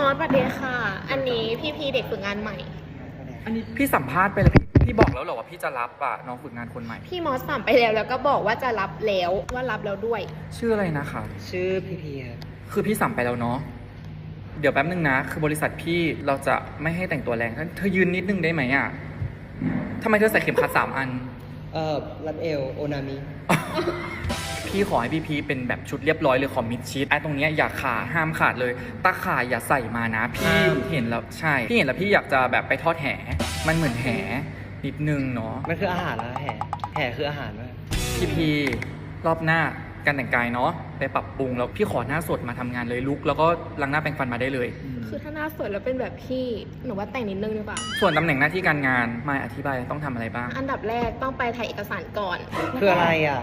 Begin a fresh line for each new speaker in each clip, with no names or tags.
อสสวัสดีค่ะ อันนี้พี่เด็กฝึกงานใหม่
อันนี้พี่สัมภาษณ์ไปแล้วพี่บอกแล้วเหรอว่าพี่จะรับอ่ะน้องฝึกงานคนใหม่
พี่มอสสั่งไปแล้วก็บอกว่าจะรับแล้วว่ารับแล้วด้วย
ชื่ออะไรนะคะ
ชื่อพีครับ
คือพี่สั่งไปแล้วเนาะเดี๋ยวแป๊บนึงนะ คือบริษัทพี่เราจะไม่ให้แต่งตัวแรงเธอยืนนิดนึงได้ไหมอ่ะทำไมเธอใส่เข็มขัด3 อัน
รัดเอวโอนามิ
พี่ขอให้พี่เป็นแบบชุดเรียบร้อยเลยขอมิดชิดไอ้ตรงเนี้ยอย่าขาดห้ามขาดเลยตาข่ายอย่าใส่มานะพี่เห็นแล้วใช่พี่เห็นแล้วพี่อยากจะแบบไปทอดแหมันเหมือนแหนิดนึงเนาะ
มันคืออาหารนะแห่คืออาหารวะ
พี่รอบหน้าการแต่งกายเนาะไปปรับปรุงแล้วพี่ขอหน้าสดมาทำงานเลยลุกแล้วก็ล้างหน้าแปรงฟันมาได้เลย
คือถ้าหน้าสวยแล้วเป็นแบบพี่หนูว่าแต่งนิดนึงดีกว่า
ส่วนตำแหน่งหน้าที่การงานมาอธิบายต้องทำอะไรบ้าง
อันดับแรกต้องไปถ่ายเอกสารก่อน
คืออะไรอ่ะ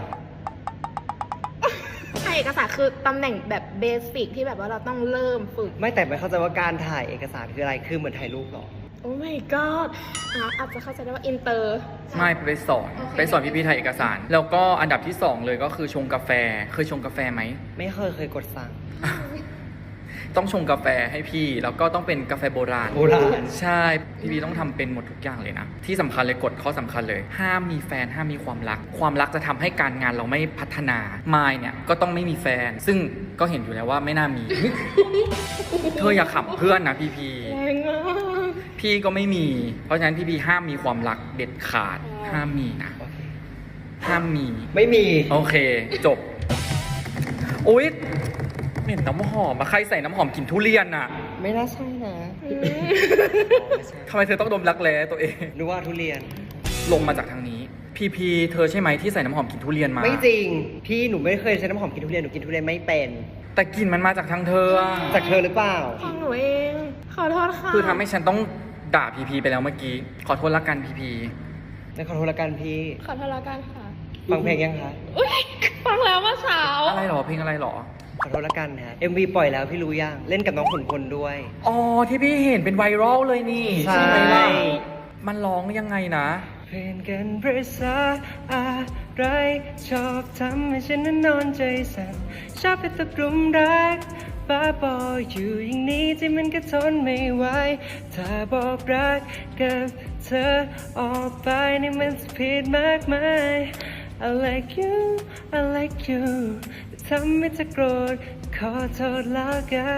ถ่ายเอกสารคือตำแหน่งแบบเบสิกที่แบบว่าเราต้องเริ่มฝึก
ไม่แต่ไม่เข้าใจว่าการถ่ายเอกสารคืออะไร คือเหมือนถ่ายรูปเหรอ
โอ้ my god อาจจะเข้าใจได้ว่าอินเตอร์
ไม่ไปสอน
โอเค
ไปสอนพี่ๆถ่ายเอกสาร แล้วก็อันดับที่ 2 เลยก็คือชงกาแฟเคยชงกาแฟไหม
ไม่เคยกดสั่ง
ต้องชงกาแฟให้พี่แล้วก็ต้องเป็นกาแฟโบราณ
โบราณ
ใช่พี่ต้องทำเป็นหมดทุกอย่างเลยนะที่สำคัญเลยกฎข้อสำคัญเลย ห้ามมีแฟนห้ามมีความรัก ความรักจะทำให้การงานเราไม่พัฒนามายเนี่ยก็ต้องไม่มีแฟน ซึ่งก็เห็นอยู่แล้วว่าไม่น่ามี เธออย่าขำเพื่อนนะพี่
แรงมาก
พี่ก็ไม่มี เพราะฉะนั้นพี่ห้ามมีความรักเด็ดขาด ห้ามมีนะ
โอเค
ห้ามมี
ไม่มี
โอเค จบอุ๊ยเหม็นน้ำหอมมาใครใส่น้ำหอมกลิ่นทุเรียนน่ะ
ไม่น่าใช่นะ
ทำไมเธอต้องดมรักแร้ตัวเอง
นึกว่าทุเรียน
ลงมาจากทางนี้ พีเธอใช่ไหมที่ใส่น้ำหอมกลิ่นทุเรียนมา
ไม่จริง พี่หนูไม่เคยใช้น้ำหอมกินทุเรียน หนูกินทุเรียนไม่เป็น
แต่กลิ่นมันมาจากทางเธออะ
จากเธอหรือเปล่า
ของหนูเอง ขอโทษค่ะ
คือทำให้ฉันต้องด่าพีไปแล้วเมื่อกี้ ขอโทษละกันพี
แล้วขอโทษละกันพี่
ขอโทษแล้วกันค่ะ
ฟังเพลงยังคะ
อุ๊ยฟังแล้วเมื่อเช้า
อะไรหรอเพลงอะไรหรอ
ขอโทษละกันฮะ MV ปล่อยแล้วพี่รู้ยัง เล่นกับน้องขุนพลด้วย
อ๋อที่พี่เห็นเป็นไวรัลเลยนี่
ใช่
ไหมล่ะมันร้องยังไงนะ
เพื่อนกันภาษาอะไรชอบทำให้ฉันนั้นนอนใจสั่นชอบไปตกหลุมรักบ้าบออยู่อย่างนี้ที่มันก็ทนไม่ไหวถ้าบอกรักกับเธอออกไปนี่มันผิดมากมาย I like you I like you ทำให้เธอโกรธขอโทษแล้วกัน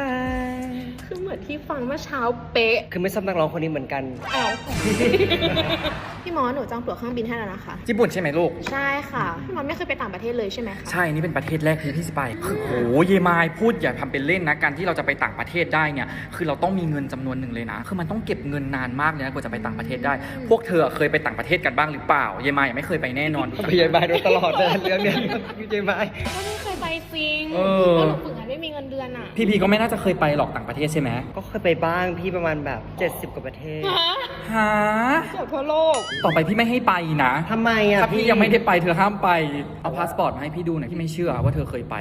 คือเหมือนที่ฟังเมื่อเช้าเป๊ะ
คือไม่ซ้ำนักร้องคนนี้เหมือนกัน
อ้าว พี่มอสหนูจองตั๋วเครื่องบินให้แล้วนะคะ
ญี่ปุ่นใช่ไหมลูก
ใช่ค่ะ พี่มอสไม่เคยไปต่างประเทศเลยใช่ไหมคะ
ใช่ นี่เป็นประเทศแรกที่พี่จะไปคือโหเยมายพูดอย่าทำเป็นเล่นนะ การที่เราจะไปต่างประเทศได้เนี่ย คือเราต้องมีเงินจำนวนหนึ่งเลยนะ คือมันต้องเก็บเงินนานมากเลยนะกว่าจะไปต่างประเทศได้ พวกเธอเคยไปต่างประเทศกันบ้างหรือเปล่า เยมายยังไม่เคยไปแน่นอน
ไปยายบายโดยตลอดเลยเรื่องเนี้ยพี่ยายบาย
ก็ไม่เคยไปจริง
เออ
เพราะหนูฝึกงานไม่มีเงินเดือนอ่ะ
พี่ก็ไม่น่าจะเคยไปหรอกต่างประเทศใช่ไหม
ก็เคยไปบ้างพี่ประมาณแบบ 70 กว่าประเทศ
ฮะ
เกือบทั่วโลก
ต่อไปพี่ไม่ให้ไปนะ
ทำไมอ่ะ
ถ้าพี่ยังไม่ได้ไปเธอห้ามไป เอาพาสปอร์ตมาให้พี่ดูหน่อยพี่ไม่เชื่อว่าเธอเคยไป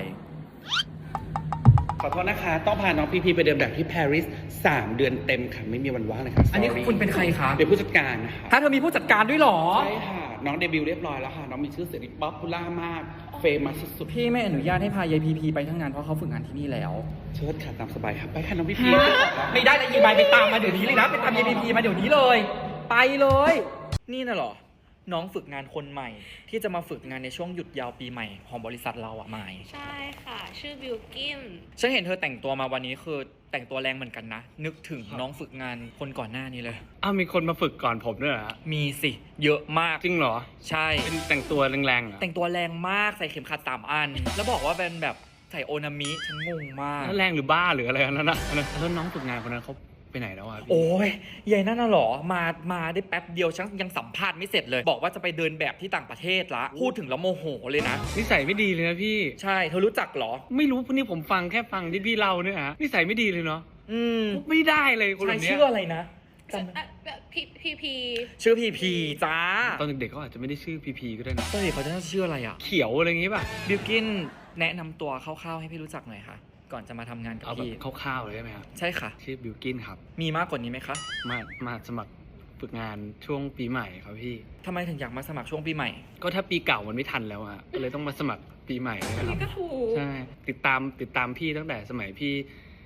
ขอโทษนะคะ ต้องพาน้องพีไปเดินแบบที่ปารีส3 เดือนเต็มค่ะ ไม่มีวันว่างเลยค่ะ
อันนี้
Sorry
คุณเป็นใครคะ
เป็นผู้จัดการนะคะ
ถ้าเธอมีผู้จัดการด้วยเหรอ
ใช่ค่ะ น้องเดบิวต์เรียบร้อยแล้วค่ะ น้องมีชื่อเสียงป๊อปปูล่ามาก เฟมัสสุด
พี่ไม่อนุญาตให้พายายพีไปทั้งงานเพราะเขาฝึกงานที่นี่แล้ว
ๆเชิดค่ะตามสบายค่ะ ไปค่ะน้องพี
ไม่ได้เลยยีมายไปตามมาเดี๋ยวนี้เลยนะไปตามยายพีมาเดี๋ยวนี้เลย ไปเลย นี่น่ะเหรอ น้องฝึกงานคนใหม่ ที่จะมาฝึกงานในช่วงหยุดยาวปีใหม่ของบริษัทเราอะมาย
ใช่ค่ะ ชื่อบิวกิน
ฉันเห็นเธอแต่งตัวมาวันนี้คือแต่งตัวแรงเหมือนกันนะ นึกถึงน้องฝึกงานคนก่อนหน้านี้เลย
อ้าวมีคนมาฝึกก่อนผมด้วยเหรอฮะ
มีสิเยอะมาก
จริงเหรอ
ใช่
เป็นแต่งตัวแรงๆเหรอ
แต่งตัวแรงมากใส่เข็มขัด3 อัน แล้วบอกว่าเป็นแบบใส่โอนามิฉันงงมาก
แล้วแรงหรือบ้าหรืออะไรนั่นนะแล้วน้องฝึกงานคนนั้นเขาไปไหนแล้วอ่ะพี่
โอ้ยยายนั่นน่ะเหรอ มาได้แป๊บเดียวฉันยังสัมภาษณ์ไม่เสร็จเลย บอกว่าจะไปเดินแบบที่ต่างประเทศละ พูดถึงแล้วโมโหเลยนะ
นิสัยไม่ดีเลยนะพี่
ใช่ เธอรู้จักเหรอ
ไม่รู้พวกนี้ผมฟังแค่ฟังที่พี่เล่าเนี่ยฮะนิสัยไม่ดีเลยเนาะ
อืม
ไม่ได้เลยคน
ใช่
แบบเนี้ย
ชื่ออะไรนะจำ
พี
ชื่อพีจ้า
ตอนเด็กๆเขาอาจจะไม่ได้ชื่อพีก็ได้นะ
ตอนเด็กเขาจะชื่ออะไรอ่ะ
เขียวอะไรอย่างงี้ป่ะ
บิวกินแนะนำตัวคร่าวๆให้พี่รู้จักหน่อยค่ะ ก่อนจะมาทำงานกับ
เอาแบบ
พี่
คร่าวๆเลยได้ไหมครับ
ใช่ค่ะ
ชื่อบิวกินครับ
มีมากกว่านี้ไหมคะ
มาสมัครฝึกงานช่วงปีใหม่ครับพี่
ทำไมถึงอยากมาสมัครช่วงปีใหม่
ก็ถ้าปีเก่ามันไม่ทันแล้วอะก็เลยต้องมาสมัครปีใหม่นะครับ
ก็ถูก
ใช่ติดตามพี่ตั้งแต่สมัยพี่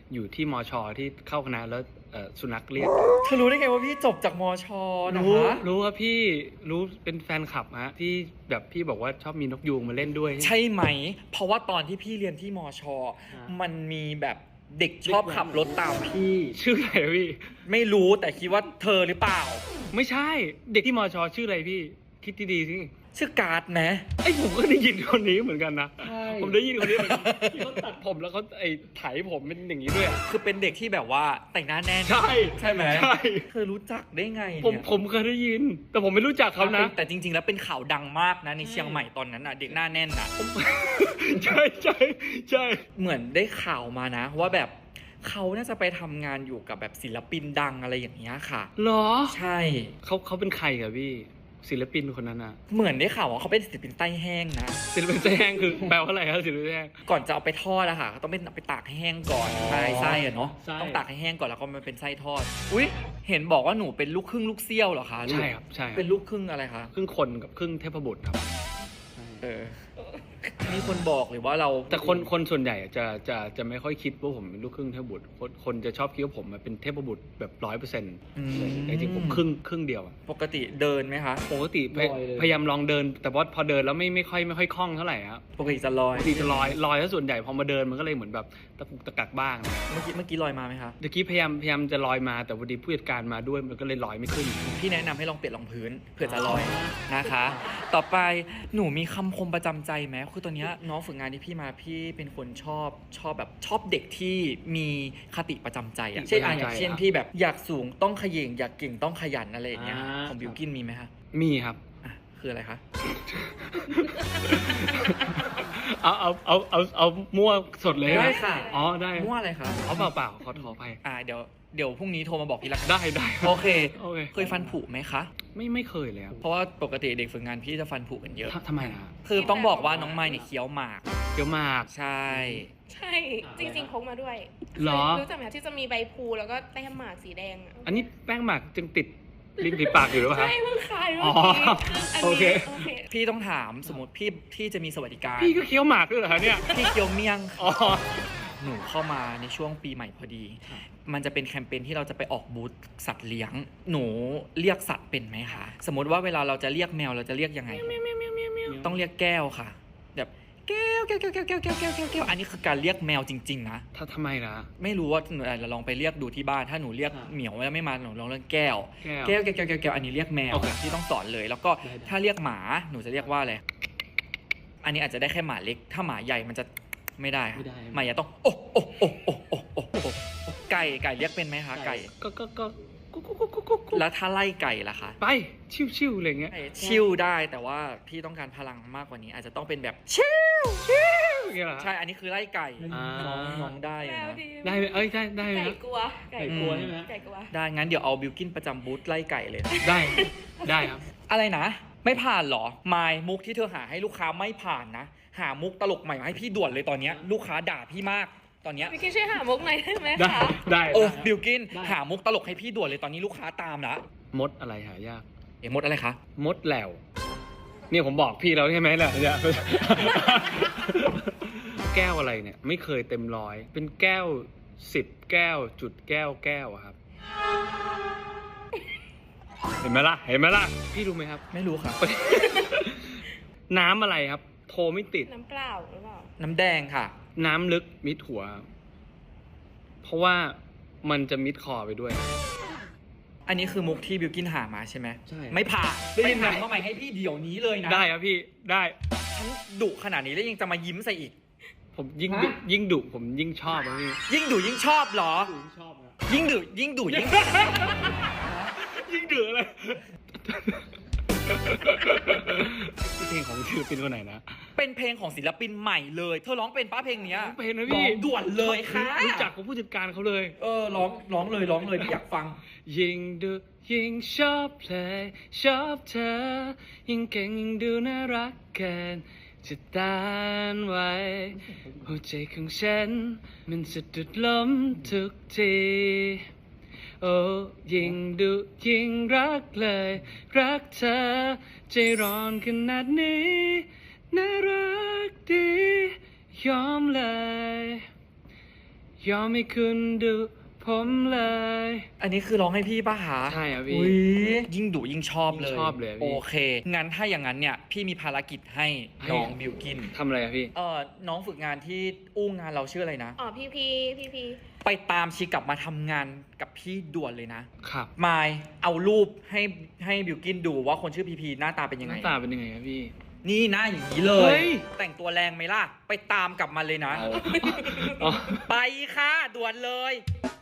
อยู่ที่มชที่เข้าคณะแล้วสุนัขเรียก
เธอรู้ได้ไงว่าพี่จบจากมชนะ
รู้
คะ
รู้ว่าพี่รู้เป็นแฟนคลับฮะที่แบบพี่บอกว่าชอบมีนกยูงมาเล่นด้วย
ใช่ไหม เพราะว่าตอนที่พี่เรียนที่มช มันมีแบบเด็กชอบขับรถตามพี่
ชื่ออะไรพี่
ไม่รู้แต่คิดว่าเธอหรือเปล่า
ไม่ใช่เด็กที่มชชื่ออะไรพี่ คิดดีๆสิ
ชื่อการ์ดไหม
ไอ้ผมก็ได้ยินคนนี้เหมือนกันนะ
ใช่
ผมได้ยินคนนี้เหมือนกันที่เขาตัดผมแล้วเขาไถผมเป็นอย่างนี้ด้วยอะ
คือเป็นเด็กที่แบบว่าแต่งหน้าแน่น
ใช่
ใช่ไหม
ใช่
เธอรู้จักได้ไง
ผม
เนี่ย
ผมเคยได้ยิน แต่ผมไม่รู้จักเขานะ
แต่จริง ๆ แล้วเป็นข่าวดังมากนะในเชียงใหม่ตอนนั้นอ่ะเด็กหน้าแน่นอ่ะ
ใช่ใช่ใช่
เหมือนได้ข่าวมานะ ว่าแบบเขาน่าจะไปทำงานอยู่กับแบบศิลปินดังอะไรอย่างเงี้ยค่ะ
เหรอ
ใช่
เขาเป็นใครกับพี่ ศิลปินคนนั้นอะ
เหมือนได้ข่าวว่าเขาเป็นศิลปินใต้แห้งนะ
ศิลปินแห้งคือแปลว่าอะไรครับศิลปินแห้ง
ก่อนจะเอาไปทอดอะค่ะเขาต้องไปตากให้แห้งก่อนใช่ไส้อะเนาะ
ไส้
ต้องตากให้แห้งก่อนแล้วก็มันเป็นไส้ทอดอุ๊ยเห็นบอกว่าหนูเป็นลูกครึ่งลูกเซี่ยวเหรอคะลูก
ใช่ครับใช่ครับ
เป็นลูกครึ่งอะไรคะ
ครึ่งคนกับครึ่งเทพบุตรครับ
เออมีคนบอกหรือว่าเรา
แต่คนส่วนใหญ่จะไม่ค่อยคิดว่าผมเป็นลูกครึ่งเทพบุตรคนจะชอบคิดว่าผมเป็นเทพบุตรแบบ100%
อืม
แต่จริงๆผมครึ่งเดียวอะ
ปกติเดินไหมคะ
ปกติพยายามลองเดิน แต่ว่าพอเดินแล้วไม่ค่อยคล่องเท่าไหร่ครับ
ปกติจะลอย
ปกติจะลอยแล้วส่วนใหญ่พอมาเดินมันก็เลยเหมือนแบบตะกุกตะกักบ้าง
เมื่อกี้ลอยมาไหมคะ
เมื่อกี้พยายามจะลอยมาแต่พอดีผู้จัดการมาด้วยมันก็เลยลอยไม่ขึ้น
พี่แนะนำให้ลองเปลี่ยนรองพื้นเผื่อจะลอยนะคะ ต่อไปหนูมีคำคมประจำใจไหมคือตอนเนี้ยน้องฝึกงานที่พี่มาพี่เป็นคนชอบเด็กที่มีคติประจำใจอะเช่นอย่างเช่นพี่แบบอยากสูงต้องเขย่งอยากเก่งต้องขยันอะไรอย่างเงี้ยของบิวกินมีไหมคะ
มีครับ
อ่ะคืออะไรคะ
เอามั่วสดเลย
ได้ค่ะ
อ๋อได้
มั่วอะไรคะ
เอาเปล่าขอไป
เดี๋ยวพรุ่งนี้โทรมาบอกพี่ละกัน
ได้
โอเค
โอเค
เคยฟันผุไหมคะ
ไม่เคยเลยครับ
เพราะว่าปกติเด็กฝึกงานพี่จะฟันผุกันเยอะ
ทำไมนะ
คือต้องบอกว่าน้องไม้เนี่ยเคี้ยวหมาก
เดี๋ยวมาก
ใช่
ใช่ จริงๆพกมาด้วย
เหรอ
รู้จักไหมที่จะมีใบพลูแล้วก็แต้มหมากสีแดงอะ
อันนี้แป้งหมักจึงติดลิ้นติดปากอยู่หรือเปล่าครับ
ใช่เพิ่งขาย
อ๋
เมื่
อ
อกี้อัน
โอ
นี้
เค
โอเค
พี่ต้องถามสมมติพี่จะมีสวัสดิการ
พี่ก็เคี้ยวหมากด้วยเหรอคะเนี่ย
พี่เคี้ยวเมี่ยง
อ๋อ
หนูเข้ามาในช่วงปีใหม่พอดี มันจะเป็นแคมเปญที่เราจะไปออกบูธสัตว์เลี้ยง หนูเรียกสัตว์เป็นไหมคะ สมมติว่าเวลาเราจะเรียกแมวเราจะเรียกยังไง ต้องเรียกแก้วค่ะ แบบแก้วอันนี้คือการเรียกแมวจริงๆนะ
ถ้าทำไมล่ะ
ไม่รู้ว่าหนูอาจจะลองไปเรียกดูที่บ้าน ถ้าหนูเรียกเหมียวแล้วไม่มาหนูลองเรียกแก้ว
แก้ว
แก้วอันนี้เรียกแมว
โอเค
ที่ต้องสอนเลย แล้วก็
ได้
ถ้าเรียกหมาหนูจะเรียกว่าอะไร อันนี้อาจจะได้แค่หมาเล็ก ถ้าหมาใหญ่มันจะไม่ได้ค่ะ
ไม่ได้
หมาใหญ่ต้องโอ้ไก่เรียกเป็นไหมคะไก่
ก็กุ๊ก
แล้วถ้าไล่ไก่ล่ะคะ
ไปชิวๆอะไรเงี้ย
ชิลได้แต่ว่าพี่ต้องการพลังมากกว่านี้ อาจจะต้องเป็นแบบชิล
อย่างเงี้ยเหรอ
ใช่อันนี้คือไล่ไก่
อ่า
น้องได้
แม
นะ
วดี
ได้ไหมเอ้ยได้ไหม
ไก่กลัว
ไก่กลัวใช่ไหม
ไก่กลัว
ได้งั้นเดี๋ยวเอาบิวกินประจำบูธไล่ไก่เลย
ได้ครับ
อะไรนะ ไม่ผ่านเหรอมายมุกที่เธอหาให้ลูกค้าไม่ผ่านนะ หามุกตลกใหม่มาให้พี่ด่วนเลยตอนเนี้ยลูกค้าด่าพี่มากตอนเนี้ย
พี่คิดช่วยหามุกหน่อยได้ไหม
ได้
คะ
ได้
บิวกินหามุกตลกให้พี่ด่วนเลยตอนนี้ลูกค้าตามละ
มดอะไรหายาก
มดอะไรคะ
มดแหลวเนี่ยผมบอกพี่แล้วใช่ไหมล่ะเนี่ย แก้วอะไรเนี่ย ไม่เคยเต็มร้อย เป็นแก้ว10 แก้วจุดแก้วอะครับ เห็นไหมล่ะพี่รู้ไหมครับ
ไม่รู้ค่ะ
น้ำอะไรครับ โทรไม่ติด
น้ำเปล่าหรือเปล่า
น้ำแดงค่ะ
น้ำลึกมิดหัว เพราะว่ามันจะมิดคอไปด้วย
อันนี้คือมุกที่บิวกินหามาใช่ไหม
ใช่
ไม่ผ่าน
ได้ยินไหม
ไปหามาใหม่ให้พี่เดี๋ยวนี้เลยนะ
ได้ครับพี่ได้
ฉันดุขนาดนี้แล้วยังจะมายิ้มใส่อีก
ผมยิ่งดุผมยิ่งชอบนะพี่
ยิ่งดุยิ่งชอบเหรอ
ชอบนะ
ยิ่งดุยิ่ง
ยิ่งเดือดเลยเพลงของศิลปินคนไหนนะ
เป็นเพลงของศิลปินใหม่เลย เธอร้องเป็นป้าเพลงเนี้ย
เพลงนะพี่
ร้องด่วนเลยค่ะ
รู้จักกับผู้จัดการเขาเลย
ร้องเลยพี่อยากฟัง
ยิ่งดูยิ่งชอบเพลงชอบเธอ ยิ่งเก่งยิ่งดูน่ารักเกินจะต้านไว้หัวใจของฉันมันสะดุดล้มทุกทีโอ้ยิ่งดูยิ่งรักเลยรักเธอใจร้อนขนาดนี้น่ารักดียอมเลยยอมให้คุณดูผมเลย
อันนี้คือร้องให้พี่ป่ะคะ
ใช่ครับพี่
อุ๊ยยิ่งดุยิ่งชอบเลย
ยิ่งชอบเลยพี่
โอเค งั้นถ้าอย่างนั้นเนี่ยพี่มีภารกิจให้น้องบิวกิน
ทำอะไรอะพี่
น้องฝึกงานที่อู้งานเราชื่ออะไรนะ
อ๋อพี่พี
ไปตามชีกลับมาทำงานกับพี่ด่วนเลยนะ
ครับ
มายเอารูปให้บิวกินดูว่าคนชื่อพีพีหน้าตาเป็นยัง
ห
ไง
น้าตาเป็นยังไงครับพี่
นี่หน้าอย่างนี้เล
เฮ้
ย
ย
แต่งตัวแรงไหมล่ะ ไปตามกลับมาเลยนะ
อ๋อ
ไปค่ะด่วนเลย